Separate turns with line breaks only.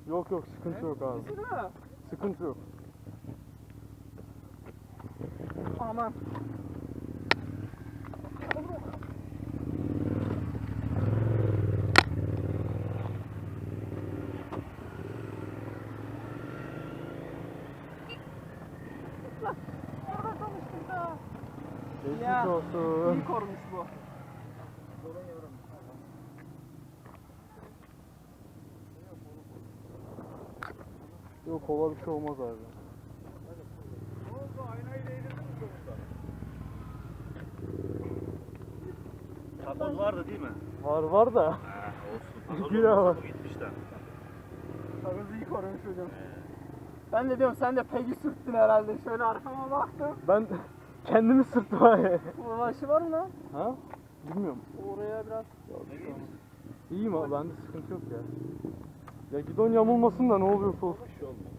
Yok yok, sıkıntı yok abi.
Değil mi?
Sıkıntı yok.
Aman. Orada konuştuk da.
Geçmiş olsun.
İyi korumuş bu.
Yok, kola bir şey olmaz abi.
Takoz vardı değil mi?
Var da.
Olsun. Takoz
Güya
olmasa
var.
bu gitmişler.
Takozu iyi korumuş hocam. Ben de diyorum sen de peki sürttün herhalde. Şöyle arkama baktım.
Ben kendimi sırtım abi.
Ulaşı var mı lan?
Ha? Bilmiyorum.
Oraya biraz.
İyiyim abi, bende sıkıntı yok ya. Ya gidon yamulmasın da ne oluyorsa olsun.
Bir şey olmaz.